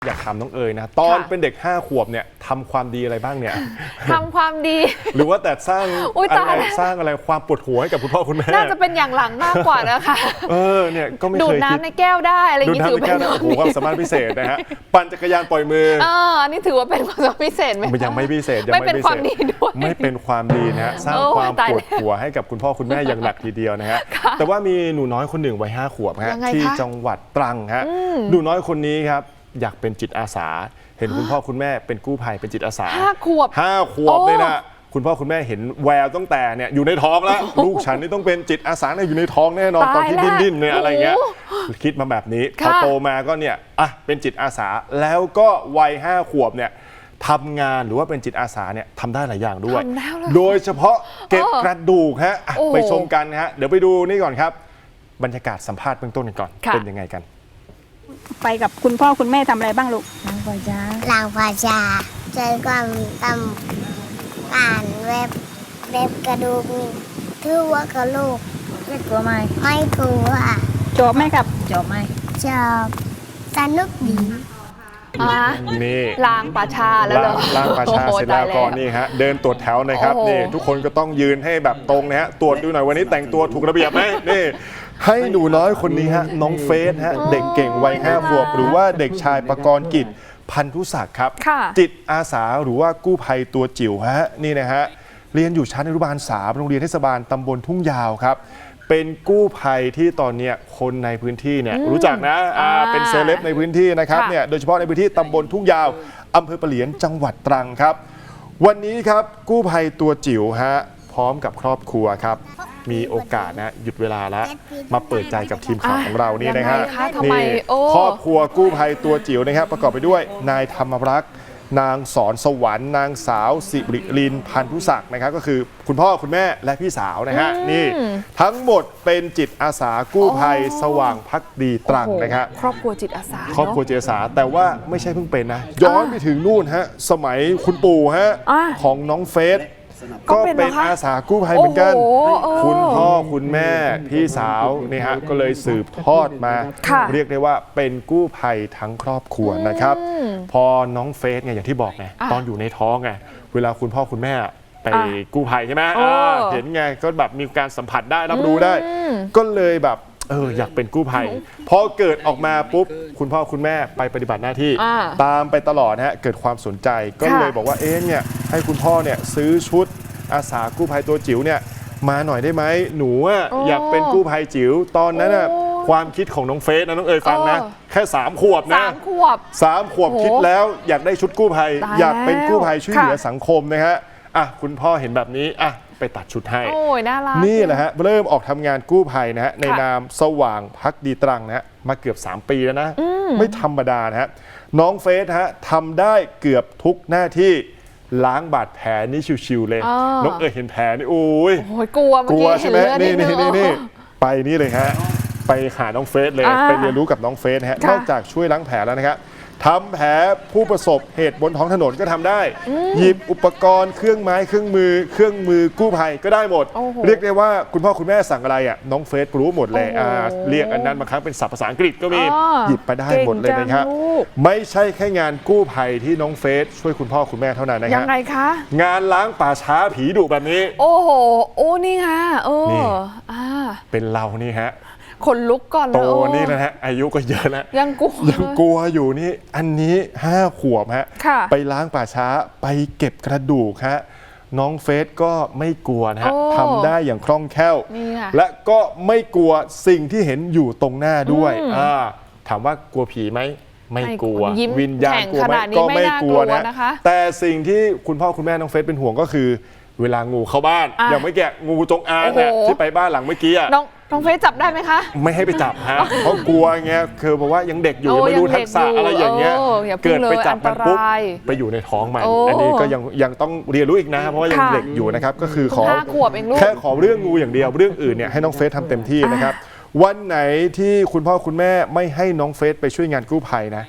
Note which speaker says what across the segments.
Speaker 1: อยากถามน้องเอ๋ยนะตอนเป็นเด็ก5 ขวบเนี่ยทำความดีอะไรบ้างเนี่ย
Speaker 2: ทำความดี
Speaker 1: หรือว่าแต่สร้างอะไรความปวดหัวให้กับคุณพ่อคุณแม่
Speaker 2: น่าจะเป็นอย่างหลังมากกว่านะคะ
Speaker 1: เนี่ยก็ไม่เคย
Speaker 2: ดูดน้ำในแก้วได้อะไรอย่างนี้ถือเป็น
Speaker 1: ความสามารถพิเศษนะฮะปั่นจักรยานปล่อยมือ
Speaker 2: อันนี้ถือว่าเป็นความสามารถพิเศษไหม
Speaker 1: ยังไม่พิเศษ
Speaker 2: ไม่เป็นความดีด้วย
Speaker 1: ไม่เป็นความดีนะฮะสร้างความปวดหัวให้กับคุณพ่อคุณแม่อย่างหนักทีเดียวนะฮะแต่ว่ามีหนูน้อยคนหนึ่งวัย5 ขวบฮะที่จังหวัดตรังฮะหนูน้อยคนนี้ครับอยากเป็นจิตอาสาเห็นคุณพ่อคุณแม่เป็นกู้ภัยเป็นจิตอาสา
Speaker 2: 5 ขวบ
Speaker 1: เลยนะคุณพ่อคุณแม่เห็นแววตั้งแต่เนี่ยอยู่ในท้องแล้วลูกฉันนี่ต้องเป็นจิตอาสาอยู่ในท้องแน่นอนตอนที่ดิ้นเนี่ยอะไรเงี้ยคิดมาแบบนี้พอโตมาก็เนี่ยเป็นจิตอาสาแล้วก็วัย5 ขวบเนี่ยทำงานหรือว่าเป็นจิตอาสาเนี่ยทำได้หลายอย่างด้วยโดยเฉพาะเก็บกระดูกฮะไปชมกันฮะเดี๋ยวไปดูนี่ก่อนครับบรรยากาศสัมภาษณ์เบื้องต้นกันก่อนเป็นยังไงกัน
Speaker 3: ไปกับคุณพ่อคุณแม่ทำอะไรบ้างลูก
Speaker 4: ล้างภาษาใจความทำอ่านเว็บกระดูกถือว่ากระลูก
Speaker 5: ไม่กลัวไหม
Speaker 4: ไม่กลัว
Speaker 3: จบไหมครับ
Speaker 5: จบไหม
Speaker 4: จบสนุกดี
Speaker 1: นี่
Speaker 2: ล้างป่าช้าแล้วเหรอ
Speaker 1: ล้างป่าช้าเสร็จแล้วก็นี่ฮะเดินตรวจแถวนะครับนี่ทุกคนก็ต้องยืนให้แบบตรงนะฮะตรวจดูหน่อยวันนี้แต่งตัวถูกระเบียบไหมนี่ให้หนูน้อยคนนี้ฮะน้องเฟสฮะเด็กเก่งวัย5 ขวบหรือว่าเด็กชายประกรณ์กิจพันธุศักดิ์ครับจิตอาสาหรือว่ากู้ภัยตัวจิ๋วฮะนี่นะฮะเรียนอยู่ชั้นอนุบาล3โรงเรียนเทศบาลตำบลทุ่งยาวครับเป็นกู้ภัยที่ตอนนี้คนในพื้นที่เนี่ยรู้จักนะเป็นเซเลบในพื้นที่นะครับเนี่ยโดยเฉพาะในพื้นที่ตำบลทุ่งยาวอำเภอปะเหลียนจังหวัดตรังครับวันนี้ครับกู้ภัยตัวจิ๋วฮะพร้อมกับครอบครัวครับมีโอกาสนะหยุดเวลาแล้วมาเปิดใจกับทีมข่าวของเรานี่นะฮะนี่ครอบครัวกู้ภัยตัวจิ๋วนะครับประกอบไปด้วยนายธรรมรักษ์นางสอนสวรรค์นางสาวสิริลินพันธุศักดิ์นะครับก็คือคุณพ่อคุณแม่และพี่สาวนะฮะนี่ทั้งหมดเป็นจิตอาสากู้ภัยสว่างภักดีตรังนะครับ
Speaker 2: ครอบครัวจิตอาสา
Speaker 1: ครอบครัวจิตอาสาแต่ว่าไม่ใช่เพิ่งเป็นนะย้อนไปถึงนู่นฮะสมัยคุณปู่ฮะของน้องเฟสก็เป็นอาสากู้ภัยเหมือนกันคุณพ่อคุณแม่พี่สาวนี่ฮะก็เลยสืบทอดมาเรียกได้ว่าเป็นกู้ภัยทั้งครอบครัวนะครับพอน้องเฟสไงอย่างที่บอกไงตอนอยู่ในท้องไงเวลาคุณพ่อคุณแม่ไปกู้ภัยใช่ไหมเห็นไงก็แบบมีการสัมผัสได้รับรู้ได้ก็เลยแบบอยากเป็นกู้ภัยพอเกิดออกมาปุ๊บคุณพ่อคุณแม่ไปปฏิบัติหน้าที่ตามไปตลอดฮะเกิดความสนใจก็เลยบอกว่าเนี่ยให้คุณพ่อเนี่ยซื้อชุดอาสากู้ภัยตัวจิ๋วเนี่ยมาหน่อยได้ไหมหนูอยากเป็นกู้ภัยจิ๋วตอนนั้นความคิดของน้องเฟสนะน้องเอ๋ยฟังนะแค่3 ขวบนะ3 ขวบคิดแล้วอยากได้ชุดกู้ภัยอยากเป็นกู้ภัยช่วยเหลือสังคมนะฮะคุณพ่อเห็นแบบนี้ไปตัดชุดให้
Speaker 2: น่ารัก
Speaker 1: นี่แหละฮะเริ่มออกทำงานกู้ภัยนะฮะในนามสว่างภักดีตรังนะฮะมาเกือบ3 ปีแล้วนะไม่ธรรมดานะฮะน้องเฟสฮะทำได้เกือบทุกหน้าที่ล้างบาดแผลนี่ชิวๆเลยน้องเอ๋ยเห็นแผลนี่โอ้ย
Speaker 2: กลัว
Speaker 1: ใช่ไหมนี่ไปนี่เลยฮะไปหาน้องเฟสเลยไปเรียนรู้กับน้องเฟสฮะนอกจากช่วยล้างแผลแล้วนะครับทำแผลผู้ประสบเหตุบนท้องถนนก็ทำได้หยิบอุปกรณ์เครื่องไม้เครื่องมือกู้ภัยก็ได้หมดเรียกได้ว่าคุณพ่อคุณแม่สั่งอะไรน้องเฟสรู้หมดเลยเรียกอันนั้นบางครั้งเป็นศัพท์ภาษาอังกฤษก็มีหยิบไปได้หมดเลยนะครับไม่ใช่แค่งานกู้ภัยที่น้องเฟสช่วยคุณพ่อคุณแม่เท่านั้นนะครับ
Speaker 2: ยังไงคะ
Speaker 1: งานล้างป่าช้าผีดุแบบนี้
Speaker 2: นี่ฮะ
Speaker 1: เป็นเรานี่ฮะ
Speaker 2: คนลุกก่อน
Speaker 1: เลยโตนี่นะฮะอายุก็เยอะแล้วยังกลัวอยู่นี่อันนี้5 ขวบฮะไปล้างป่าช้าไปเก็บกระดูกฮะน้องเฟสก็ไม่กลัวนะฮะทำได้อย่างคล่องแคล่วและก็ไม่กลัวสิ่งที่เห็นอยู่ตรงหน้าด้วยถามว่ากลัวผีไหมไม่กลัววิญญาณกลัวไหมก็ไม่กลัวนะแต่สิ่งที่คุณพ่อคุณแม่น้องเฟสเป็นห่วงก็คือเวลางูเข้าบ้านอย่างไม่แกะงูจงอางเนี่ยที่ไปบ้านหลังเมื่อกี้
Speaker 2: น้องเฟสจับได้ไหมคะ
Speaker 1: ไม่ให้ไปจับฮะเพราะกลัวไงคือบอกว่ายังเด็กอยู่ไม่รู้ทักษะอะไรอย่างเงี้ยเกิดไปจับมันปุ๊บไปอยู่ในท้องมันอันนี้ก็ยังต้องเรียนรู้อีกนะเพราะว่ายังเด็กอยู่นะครับก็คือแค่ขอเรื่องงูอย่างเดียวเรื่องอื่นเนี่ยให้น้องเฟสทำเต็มที่นะครับวันไหนที่คุณพ่อคุณแม่ไม่ให้น้องเฟสไปช่วยงานกู้ภัยนะ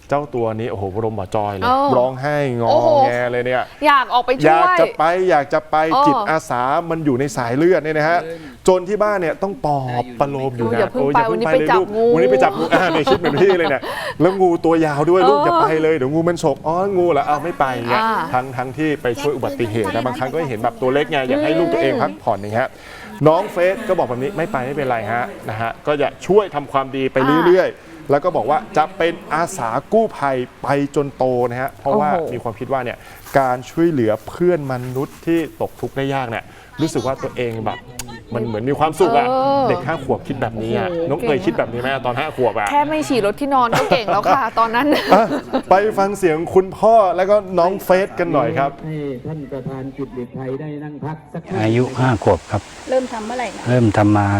Speaker 1: เจ้าตัวนี้โอ้โหบรมบ่อจอยเลย
Speaker 2: เออ
Speaker 1: ร้องไห้งอ
Speaker 2: โอ้โห
Speaker 1: แงเลยเนี่ย
Speaker 2: อยากออกไป
Speaker 1: อ
Speaker 2: ช่
Speaker 1: ยาก
Speaker 2: วย
Speaker 1: จะไปจิต
Speaker 2: เออ
Speaker 1: อาสามันอยู่ในสายเลือดเนี่ยนะฮะจนที่บ้านเนี่ยต้องปลอบประโลมอยู่
Speaker 2: อย่า
Speaker 1: นะ
Speaker 2: เพิ่งไปวันนี้ไปจับงู
Speaker 1: วันนี้ไปจับงูเนี่ยคิดเหมือนพี่เลยเนี่ยแล้วงูตัวยาวด้วยลูก
Speaker 2: เออ
Speaker 1: อย่าไปเลยเดี๋ยวงูมันฉกอ๋องูเหรอเอาไม่ไปเนี่ย
Speaker 2: อ่า
Speaker 1: ทั้งที่ไปช่วยอุบัติเหตุนะบางครั้งก็เห็นแบบตัวเล็กไงอยากให้ลูกตัวเองพักผ่อนอย่างเงี้ยน้องเฟสก็บอกแบบนี้ไม่ไปไม่เป็นไรฮะนะฮะก็จะช่วยทำความดีไปเรื่อยๆแล้วก็บอกว่าจะเป็นอาสากู้ภัยไปจนโตนะฮะเพราะว่า
Speaker 2: โอ้โห
Speaker 1: มีความคิดว่าเนี่ยการช่วยเหลือเพื่อนมนุษย์ที่ตกทุกข์ได้ยากเนี่ยรู้สึกว่าตัวเองแบบมันเหมือนมีความสุขอะ
Speaker 2: เออ
Speaker 1: เด็ก5 ขวบคิดแบบนี้อะ
Speaker 2: โอ้โห
Speaker 1: น้องเคยคิดแบบนี้ไหมตอน5 ขวบอะ
Speaker 2: แค่ไม่ฉี่รถที่นอนก็เก่งแล้วค่ะ ตอนนั้น
Speaker 1: อ่ะไปฟังเสียงคุณพ่อแล้วก็น้องเฟสกันหน่อยครับ
Speaker 5: ให้ท่านประธานกิจเด็กไทยได้นั่งพักสักครู่
Speaker 6: อายุ5 ขวบครับ
Speaker 3: เริ่มทำเมื่อไหร่นะ
Speaker 6: เริ่มทำมา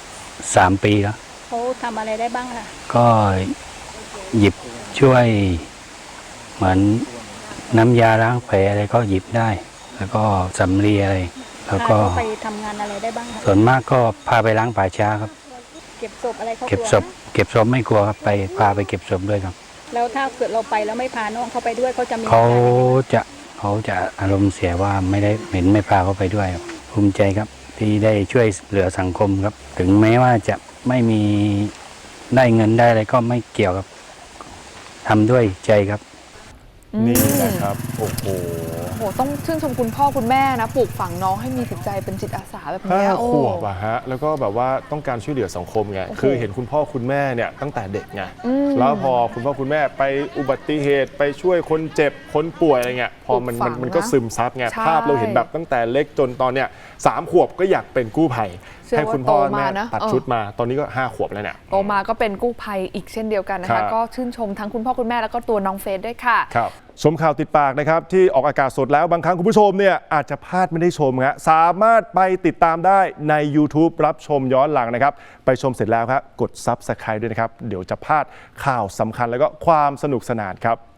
Speaker 6: 3 ปีแล้ว
Speaker 3: เขาทำอะไรได้บ้างล่ะ
Speaker 6: ก็หยิบช่วยเหมือนน้ำยาล้างแผลอะไรก็หยิบได้ แล้วก็สำลีอะไร แล้ว
Speaker 3: พา
Speaker 6: ก็
Speaker 3: เขาไปทำงานอะไรได้บ้างคะ
Speaker 6: ส่วนมากก็พาไปล้างป่าช้าครับ
Speaker 3: เก็บศพอะไรเขา
Speaker 6: เก็บ
Speaker 3: กลัว
Speaker 6: ศพเก็บศพไม่กลัวครับพาไปเก็บศพด้วยครับ
Speaker 3: แล้วถ้าเกิดเราไปแล้วไม่พาน้องเขาไปด้วยเขาจะมี
Speaker 6: เขา
Speaker 3: อรยังไงบ้าง
Speaker 6: เขาจะอารมณ์เสียว่าไม่ได้เห็นไม่พาเขาไปด้วยครับภูมิใจครับที่ได้ช่วยเหลือสังคมครับ ถึงแม้ว่าจะไม่มีได้เงินได้อะไรก็ไม่เกี่ยวครับทำด้วยใจครับ
Speaker 1: นี่นะครับโอ้โห
Speaker 2: โหต้องชื่นชมคุณพ่อคุณแม่นะปลูกฝังน้องให้มีจิตใจเป็นจิตอาสาแบบเนี้ย
Speaker 1: 5
Speaker 2: โอ้
Speaker 1: ขวบอะฮะแล้วก็แบบว่าต้องการช่วยเหลือสังคมไง
Speaker 2: โอ้โห
Speaker 1: คือเห็นคุณพ่อคุณแม่เนี่ยตั้งแต่เด็กไง
Speaker 2: อืม
Speaker 1: แล้วพอคุณพ่อคุณแม่ไปอุบัติเหตุไปช่วยคนเจ็บคนป่วยอะไรเงี้ยพอมัน
Speaker 2: ปลูกฝัง
Speaker 1: มันก็ซึมซับไง
Speaker 2: ใช่
Speaker 1: ภาพเราเห็นแบบตั้งแต่เล็กจนตอนเนี้ย3 ขวบก็อยากเป็นกู้ภัย
Speaker 2: เชื่อ
Speaker 1: ให้คุณพ่อ
Speaker 2: ว่าโตมา
Speaker 1: แม่
Speaker 2: นะ
Speaker 1: ตัด
Speaker 2: เออ
Speaker 1: ชุดมาตอนนี้ก็5 ขวบแล้วเนี่ย
Speaker 2: โตมาก็เป็นกู้ภัยอีกเช่นเดียวกันนะ
Speaker 1: ครั
Speaker 2: คะ
Speaker 1: บ
Speaker 2: ก็ชื่นชมทั้งคุณพ่อคุณแม่แล้วก็ตัวน้องเฟสด้วยค่ะ
Speaker 1: ครับชมข่าวติดปากนะครับที่ออกอากาศสดแล้วบางครั้งคุณผู้ชมเนี่ยอาจจะพลาดไม่ได้ชมฮะสามารถไปติดตามได้ใน YouTube รับชมย้อนหลังนะครับไปชมเสร็จแล้วครับกด Subscribe ด้วยนะครับเดี๋ยวจะพลาดข่าวสำคัญแล้วก็ความสนุกสนานครับ